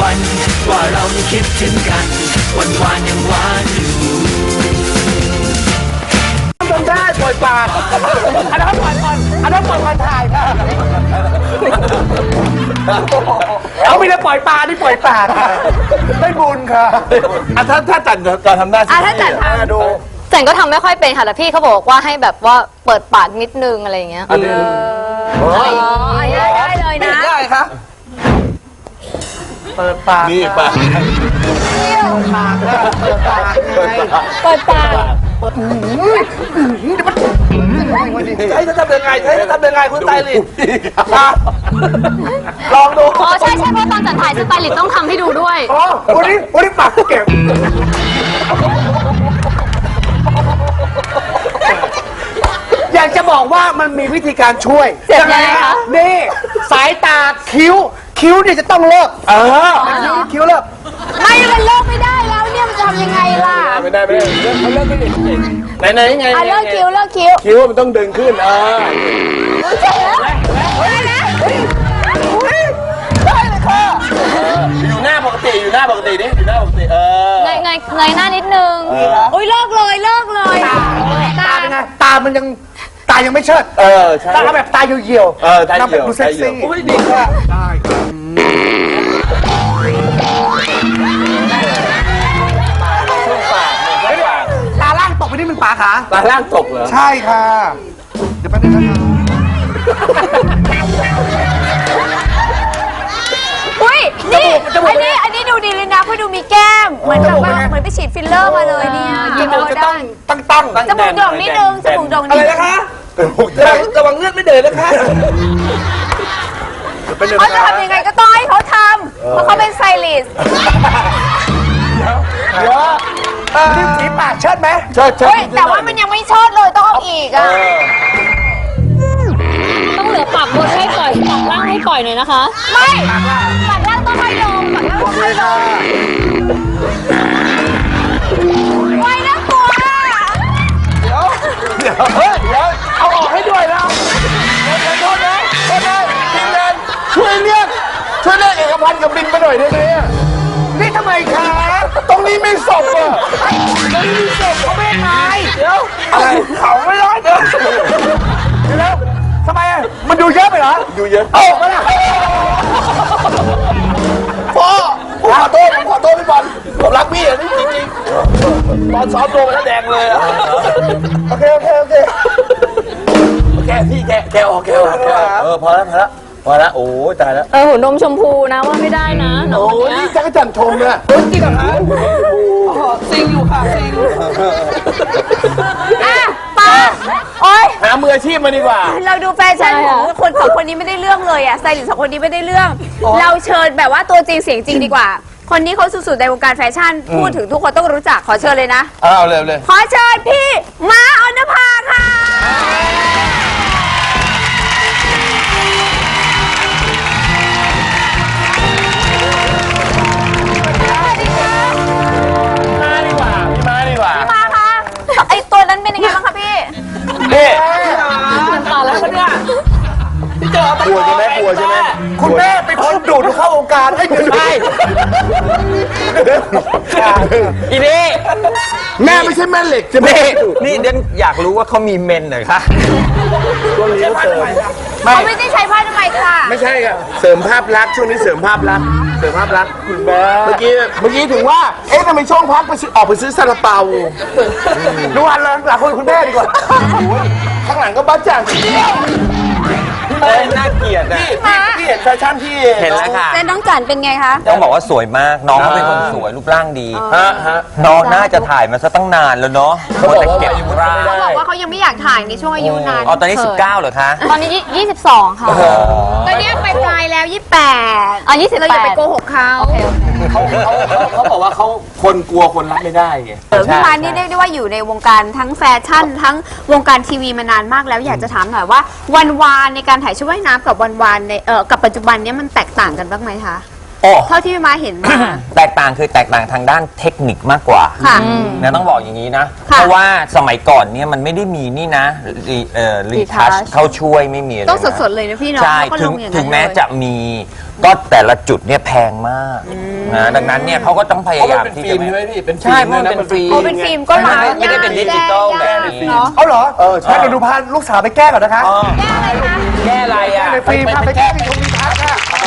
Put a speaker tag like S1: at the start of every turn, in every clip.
S1: วันว่าเรายังคิดถึงกันวันวานยังหวานอยู่
S2: ทำได้ปล่อยปากอันนั้นปล่อยก่อนอันนั้นปล่อยก่อนถ่ายค่ะเอาไม่ได้ปล่อยปลาที่ปล่อยปากค่ะได้บุญค่ะถ้าจัดทำได้สิ
S3: ถ้าจัดทำ
S2: ดู
S3: จันก็ทำไม่ค่อยเป็นค่ะแต่พี่เขาบอกว่าให้แบบว่าเปิดปากนิดนึงอะไรอย่างเงี้ย
S2: ได้
S3: เลยนะ
S2: ได้ค่ะเปิดปากนี่ปาก
S3: เปิดปาก
S2: ใช้จะทำยังไงคุณไตลินลองดู
S3: อ๋อใช่เพราะตอนจัดถ่ายสไตลิสต์ต้องทำให้ดูด้วย
S2: อ๋อวันนี้ปากเก็บอยากจะบอกว่ามันมีวิธีการช่วย
S3: ยังไงคะ
S2: นี่สายตาคิ้วเนี่ยจะต้องเลิกคิ้วเลิก
S3: ไม่มันเลิกไม่ได้แล้วเนี่ยมันจะทำยังไงล่ะ
S2: ไม่ได้เขาเลิกไม่ได้ไหนไง
S3: เลิกคิ้ว
S2: คิ้วมันต้องดึงขึ้น
S3: ได้เลย
S2: ค่ะอยู่หน้าปกติดิอยู่หน้าปกติ
S3: เงยหน้านิดนึงอุ้ยเลิกเลย
S2: ตาเป็นไงตามันยังตายังไม่เชิดใช่ตาแบบตาเหี่ยว
S4: ตาเหี่ยว
S2: ดูเซ็กซี่อุ้ยดีค่ะได้ตาล่างตกไปนี่มันป๋าขา
S4: ตาล่างตกเหรอ
S2: ใช่ค่ะเดี๋ยวแป๊บนึงนะครับ
S3: อุ้ยนี่อันนี้ดูดีเลยนะเพราะดูมีแก้มเหมือนแบบว่าเหมือนไปฉีดฟิลเลอร์มาเลยเนี่ย
S2: จมูกจะต้อง
S3: จมูกโด่งนิดนึงจมูกโด่ง
S2: อะไรนะคะระวังเลือดไม่เดินนะคะ
S3: เขาจะทำยังไงก็ต้องให้เขาทำเพราะเขาเป็นไซลิสต์
S2: นี่สีปากเชิดไหม
S4: เชิด
S3: แต่ว่ามันยังไม่เชิดเลยต้องเอาอีกอ่ะต้องเหลือปากบนให้ปล่อยปากล่างให้ปล่อยหน่อยนะคะไม่ปากล่างต้องให้ลงปากล่างต้องให้ลงไว้นะกลัว
S2: เดี๋ยวเอาออกให้ด้วยนะโทษนะทีมงานช่วยเรียกเอกพันธ์กับบินไปหน่อยได้ไหมนี่ทำไมคะตรงนี้ไม่ศพอ่ะตรงนี้มีศพเขาไม่ตายเดี๋ยวอะไรเขาไม่รอดเดี๋ยวทำไมอ่ะมันดูเยอะไปเหรอ
S4: ดูเยอะ
S2: ออกมาละพ่อผมขอโทษพี่บอลผมรักพี่อ่ะนี่จริงๆตอนซ้อมตัวมันแดงเลยอ่ะโอเค
S4: พี่แกออกพอแล้วโอ้ยตายแล้ว
S3: หัวนมชมพูนะว่าไม่ได้นะ
S2: โอ้ยนี่จักรจันทร์ชมเนี่ยจริงเหรอคะซิงอยู่ค่ะซิง
S3: ป้าโอ๊ย
S4: หามืออาชีพมาดีกว่า
S3: เราดูแฟชั่นของคนสองคนนี้ไม่ได้เรื่องเลยอะสไตลิสต์สองคนนี้ไม่ได้เรื่องเราเชิญแบบว่าตัวจริงเสียงจริงดีกว่าคนนี้เขาสุดๆในวงการแฟชั่นพูดถึงทุกคนต้องรู้จักขอเชิญเลยนะ
S4: เอาเลย
S3: ขอเชิญพี่ม้าออนภาค่ะไอตัวนั้นเป็นยังไงบ้างคะพี่ต่อแล้วเนี่ย
S4: ที่เจอกลัวใช่ไหม
S2: คุณแม่เป็นคนดูดเข้าวงการให้คุณได้
S4: อีนี่
S2: แม่ไม่ใช่แม่เหล็กใช่ไหม
S4: นี่เดนอยากรู้ว่าเขามีเมนเหรอคะ
S2: ช่วงนี้เสริม
S3: เขาไม่ได้ใช้ผ้าทำไมค่ะ
S2: ไม่ใช่ค่ะเสริมภาพลักษณ์ช่วงนี้เสริมภาพลักษณ์คุณแม่เมื่อกี้ถึงว่าทำไมช่องพักออกไปซื้อซาลาเปาดูหันหลังคุณแม่ดีกว่าข้างหลังก็บ้าจัง
S4: น่าเกลียดนะ
S2: พี่เห็นแฟชั่นที่
S4: เห็นแล้วค่ะ
S3: แต่น้องจันเป็นไงคะ
S4: ต้องบอกว่าสวยมากน้องเขาเป็นคนสวยรูปร่างดีน้องน่าจะถ่ายมาซะตั้งนานแล้วเนาะเขาบอกว่า
S3: เขายังไม่อยากถ่ายในช่วงอายุนาน
S4: ตอนนี้19เหรอคะ
S3: ตอนนี้22ค่ะตอนนี้ไปปลายแล้ว2828เราอย่าไปโกหกเขา
S4: เขาบอกว่าเขาคนกลัวคนรักไม่ได้ไง
S3: พี่มานี่เรียกได้ว่าอยู่ในวงการทั้งแฟชั่นทั้งวงการทีวีมานานมากแล้วอยากจะถามหน่อยว่าวันวานในการถ่ายชุดว่ายน้ำกับวันวานในกับปัจจุบันนี้มันแตกต่างกันบ้างไหมคะเท่าที่พี่มาเห็นมา
S4: แตกต่างทางด้านเทคนิคมากกว่านะต้องบอกอย่างนี้นะเพราะว่าสมัยก่อนเนี่ยมันไม่ได้มีนี่นะรีทัชเข้าช่วยไม่มี
S3: ต้องสดๆเลยนะพี่เนาะ
S4: ใช่ถึงแม้จะมีก็แต่ละจุดเนี่ยแพงมากนะดังนั้นเนี่ยเขาก็ต้องพยายามที่จะ
S2: ใช่ไหมพี่เป็น
S4: ใช่เพราะมันเป็นฟิล์ม
S3: โอ้เป็นฟิล์มก็ล้าง
S4: ไม่ได้เป็นดิจิตอลแบบนี้
S3: เนาะ
S5: เอาเหรอใช่เดี๋ยวดูพาลูกสาวไปแก้ก่อนนะคะ
S3: แก้อะไรคะ
S4: แก้อะไรอ่ะ
S5: ในฟิล์มพาไปแก้ที่ชมรีทัศน์ค่ะ
S3: เอา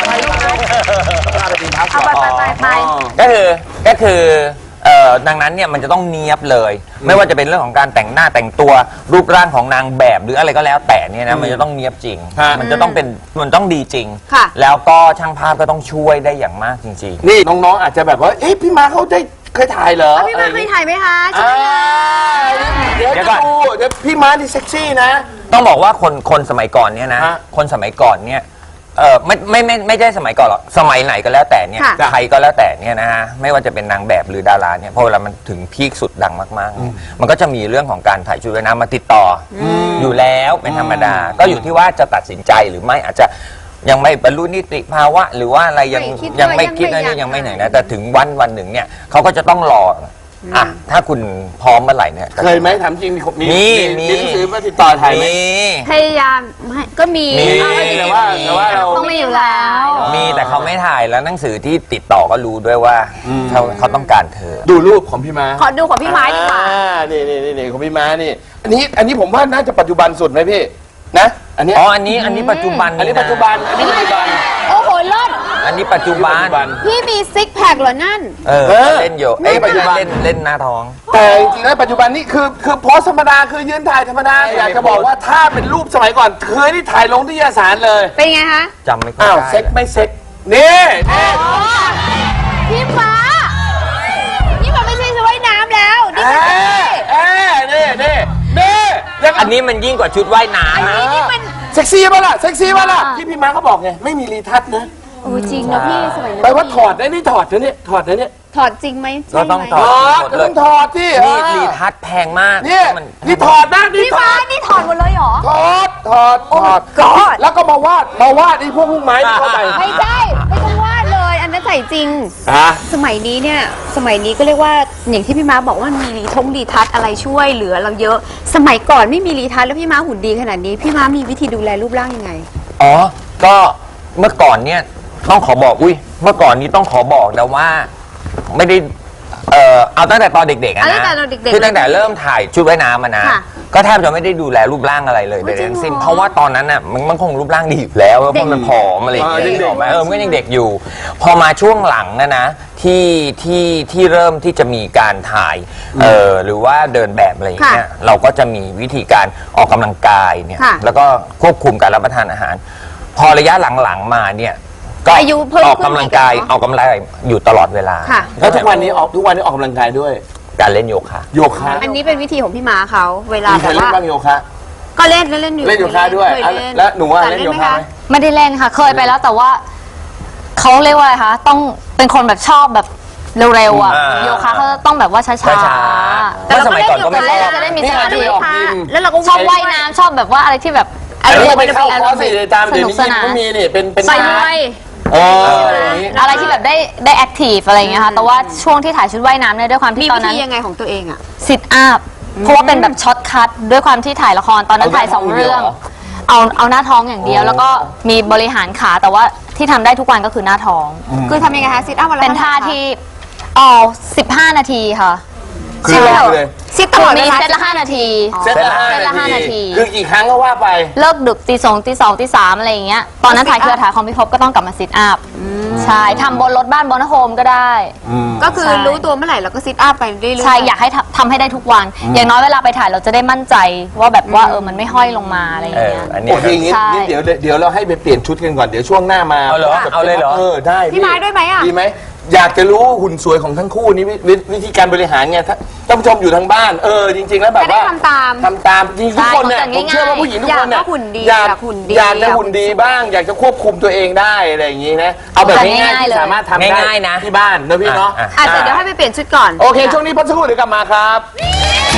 S3: ไป
S4: ก็คือดังนั้นเนี่ยมันจะต้องเนียบเลย ไม่ว่าจะเป็นเรื่องของการแต่งหน้าแต่งตัวรูปร่างของนางแบบหรืออะไรก็แล้วแต่เนี่ยนะมันจะต้องเนียบจริง มันจะต้องเป็นมันต้องดีจริง
S3: ค่ะ
S4: แล้วก็ช่างภาพก็ต้องช่วยได้อย่างมากจริง
S2: นี่น้องๆอาจจะแบบว่าเอ๊ะพี่มาเขาได้เคยถ่ายเหรอ
S3: พี่มาเคยถ่ายไหมคะ
S2: เดี๋ยวจะดูเดี๋ยวพี่มาที่เซ็กซี่นะ
S4: ๆต้องบอกว่าคนสมัยก่อนเนี่ยนะ
S2: ฮะ
S4: คนสมัยก่อนเนี่ยไม่ใช่สมัยก่อนหรอกสมัยไหนก็แล้วแต่เนี่ย
S3: ค่ะ
S4: ใครก็แล้วแต่เนี่ยนะฮะไม่ว่าจะเป็นนางแบบหรือดาราเนี่ยพอเวลามันถึงพีคสุดดังมากๆเนี่ยมันก็จะมีเรื่องของการถ่ายชุดว่ายน้ำมาติดต่อออยู่แล้วเป็นธรรมดา ก็อยู่ที่ว่าจะตัดสินใจหรือไม่อาจจะยังไม่บรรลุนิติภาวะ หรือว่าอะไรยังไม่คิดนะยังไม่ไหนนะแต่ถึงวันหนึ่งเนี่ยเขาก็จะต้องรออ่ะถ้าคุณพร้อมเมื่อไหร่เนี่ย
S2: เคยไหมถามจริงมี
S4: มี
S2: หนังสือมาติดต่อถ่ายไหม
S3: พยายามก็มี
S2: แต่ว่าเรา
S3: ต้องมีอยู่แล้ว
S4: มีแต่เขาไม่ถ่ายแล้วหนังสือที่ติดต่อก็รู้ด้วยว่าเขาต้องการเธอ
S2: ดูรูปของพี่ม้า
S3: ขอดูของพี่ไม้ดีกว่า
S2: นี่ของพี่ม้านี่อันนี้ผมว่าน่าจะปัจจุบันสุดไหมพี่นะอันนี้
S4: อ๋ออันนี้ปัจจุบัน
S2: อันนี้
S4: ะ
S2: ปัจจุบันอันนี้ปัจจุบัน
S3: โอ้โหเลิศ
S4: อันนี้ปัจจุบัน
S3: พี่มีซิกแพคเหรอนั่น
S4: เล่นอยู่ปัจจุบันเล่นหน้าท้อง
S2: แต่จริงๆแล้วปัจจุบันนี้คือโพสธรรมดาคือยืนถ่ายธรรมดาอยากจะบอกว่าถ้าเป็นรูปสมัยก่อนเคยที่ถ่ายลงที่นิตยสารเลย
S3: เป็นไงคะ
S4: จำไม่ค่อย
S2: อ้าว
S4: ได้
S2: เซ็กไม่เซ็กนี่
S3: พี่ฟ้านี่มันไม่ใช่ชุดว่ายน้ำแล้วนี่มัน
S2: นี่ยัง
S4: อันนี้มันยิ่งกว่าชุดว่ายน้ำนะ
S3: นี่มัน
S2: เซ็กซี่ป่ะล่ะเซ็กซี่ป่ะล่ะที่พี่ม้าเขาบอกไงไม่มีรีทัชนะ
S3: โอ้จริงนะพี่สมัยนั้น
S2: แปลว่าถอดนะนี่ถอดนะเนี่ยถอดนะเนี่ย
S3: ถอดจริงไหม
S4: ก็ต้องถ
S2: ถ
S4: อ
S2: อ
S4: ด
S2: ดก็ต้องถอดที่
S4: นี่รีทัชแพงมาก
S2: นี่
S4: มัน
S2: นี่ถอดนะนี่
S3: พี่
S2: ถ
S3: ฟ้า
S2: อด
S3: นี่ถอดหมดเลยเหรอ
S2: ถอด
S3: God
S2: แล้วก็มาวาดไอ้พวกลูกไม้ที่เขาใส่
S3: ไม่ใช่ไม่ต้องวาดเลย อันนั้นใส่จริง
S2: อ่ะ
S3: สมัยนี้เนี่ยสมัยนี้ก็เรียกว่าอย่างที่พี่ม้าบอกว่ามีรีทัชอะไรช่วยเหลือเราเยอะ สมัยก่อนไม่มีรีทัชแล้วพี่ม้าหุ่นดีขนาดนี้พี่ม้ามีวิธีดูแลรูปร่างยังไง
S4: อ๋อก็เมื่อก่อนเนี่ยต้องขอบอกเมื่อก่อนนี้ต้องขอบอกนะว่าไม่ได้เอาตั้งแต่ตอนเด็กๆอะ
S3: ตั้
S4: นะ
S3: งแต่ตอนเด็กๆ
S4: คือตั้งแต่เริ่มถ่ายชุดว่ายน้ำมานะ
S3: ค่ะ
S4: ก็แทบจะไม่ได้ดูแลรูปร่างอะไรเลยเลย
S3: จริงเหรอ
S4: ทั้งสิ้นเพราะว่าตอนนั้นน่ะมันคงรูปร่างดีอยู่แล้วเพราะมันผอมอะไรอย่างเงี้ย
S2: เด็กๆ
S4: นึกออกไหมมันก็ยังเด็กอยู่ พอมาช่วงหลังนะที่เริ่มที่จะมีการถ่ายหรือว่าเดินแบบอะไรอย่างเงี้ยเราก็จะมีวิธีการออกกำลังกายเนี่ย
S3: ค่ะ
S4: แล้วก็ควบคุมการรับประทานอาหาร พอระยะหลังๆมาเนี่ยก็
S3: อายุเพิ่มขึ้น
S4: ออกกำลังกาย
S3: อีกเหรอ
S4: ออกกำลังกายอยู่ตลอดเวลา
S3: ค่ะ
S2: แล้วทุกวันนี้ออกกำลังกายด้วย
S4: การเล่นโยคะ
S2: โยคะ
S3: อันนี้เป็นวิธีของพี่ม้าเขาเวลา
S2: มี
S3: แบ
S2: เคย
S3: บ
S2: เล่น
S3: ว่า
S2: บ้างโยคะ
S3: ก็เล่นอยู่
S2: เล่นโยคะด้วย
S3: เคเล่น
S2: แล้วหนูว่า
S3: แต่
S2: เล่นโยคะไหม
S6: ไม่ได้เล่นค่ะ เคยไปแล้วแต่ว่าเขาเรียกว่าอะไรคะต้องเป็นคนแบบชอบแบบเร็วๆอ่ะ
S4: อ่า
S6: โยคะเขาจะต้องแบบว่าช้า
S4: ช้าๆเมื่อสมัยก่อนก็ไม่
S6: ๆ
S4: ชอบ
S6: จะได้มี
S2: นี่
S6: สมา
S2: อาจจะ
S6: ธิ
S2: ไปออกยิม
S3: แล้วเราก็
S6: ชอบว่ายน้ำชอบแบบว่าอะไรที่แบบ
S2: อันนี้ไปเข้าคอร์สสิตาม
S6: ส
S2: เดี๋ยว
S6: นุก
S2: นี้
S6: ส
S2: ยิม
S6: นาน
S2: ก็มีนี่เป็น
S3: ไป
S2: คลา
S3: ด้
S2: ส
S3: วย
S6: อะไรที่แบบได้แอคทีฟอะไรอย่างเงี้ยค่ะแต่ว่าช่วงที่ถ่ายชุดว่ายน้ำเนี่ยด้วยความ
S3: มี
S6: ที่ตอ
S3: วิ
S6: นนั้
S3: ธี
S6: น
S3: ยังไงของตัวเองอ่ะ
S6: ซิทอัพเพราะว่าเป็นแบบช็อตคัทด้วยความที่ถ่ายละครตอนนั้นถ่าย2 เรื่อง เอาหน้าท้องอย่างเดียว แล้วก็มีบริหารขาแต่ว่าที่ทำได้ทุกวันก็คือหน้าท้อง
S3: คือทำยังไงคะซิทอัพวันละ
S6: เป็นท่า
S3: ท่า
S6: ที่15 นาทีค่ะ
S2: คือเลย
S3: ซิทตลอดเว
S6: มี
S3: ลา
S6: เซตละ5 นาที
S2: เซตละ
S6: เซตละ5 นาที
S2: คือกี่ครั้งก็ว่าไป
S6: เลิกดึกตี 2 ตี 2 ตี 3 อะไรอย่างเงี้ย ตอนนั้นถ่ายเครือถ่ายของพี่พบก็ต้องกลับมาซิทอัพ ใช่ ทำบนรถบ้านบนโฮมก็ได้
S3: ก็คือ
S6: ใช่
S3: รู้ตัวเมื่อไหร่เราก็ซิทอัพไปเรื่อยๆ
S6: ใช่ อยากให้ทำให้ได้ทุกวัน อย่างน้อยเวลาไปถ่ายเราจะได้มั่นใจว่าแบบว่ามันไม่ห้อยลงมาอะไรอย่างเงี้ย
S4: อันนี้
S2: โอเคอย่างงี้
S6: ใช่
S2: งั้นเดี๋ยวเราให้ไปเปลี่ยนชุดกันก่อนเดี๋ยวช่วงหน้ามา
S4: เอาเหรอเอาเลยเหรอ
S2: ได้
S3: พี่ไม้ด้วยไหมอ่ะ
S2: ดีไหมอยากจะรู้หุ่นสวยของทั้งคู่นี้วิธีการบริหารไงท่านผู้ชมอยู่ทางบ้านจริงๆแล้วแบบ
S3: จะได้
S2: ว่า
S3: ทำตาม
S2: ทำตามจริงๆทุกคนเนี่ย
S6: ใช่
S2: ผมเชื่อว่าผู้หญิงทุกคนเนี่ย
S3: อยากจะหุ่นดี
S2: อยาก
S3: อยากหุ่นดี
S2: อยากจะหุ่นดีบ้าง อยากจะควบคุมตัวเองได้อะไรอย่างงี้นะเอาแบบง่ายๆที่สามารถทำได้
S4: ง่ายๆนะ
S2: ที่บ้านนะพี่เนาะ
S3: อาจจะเดี๋ยวให้ไปเปลี่ยนชุดก่อน
S2: โอเคช่วงนี้พักสักครู่เดี๋ยวกลับมาครับ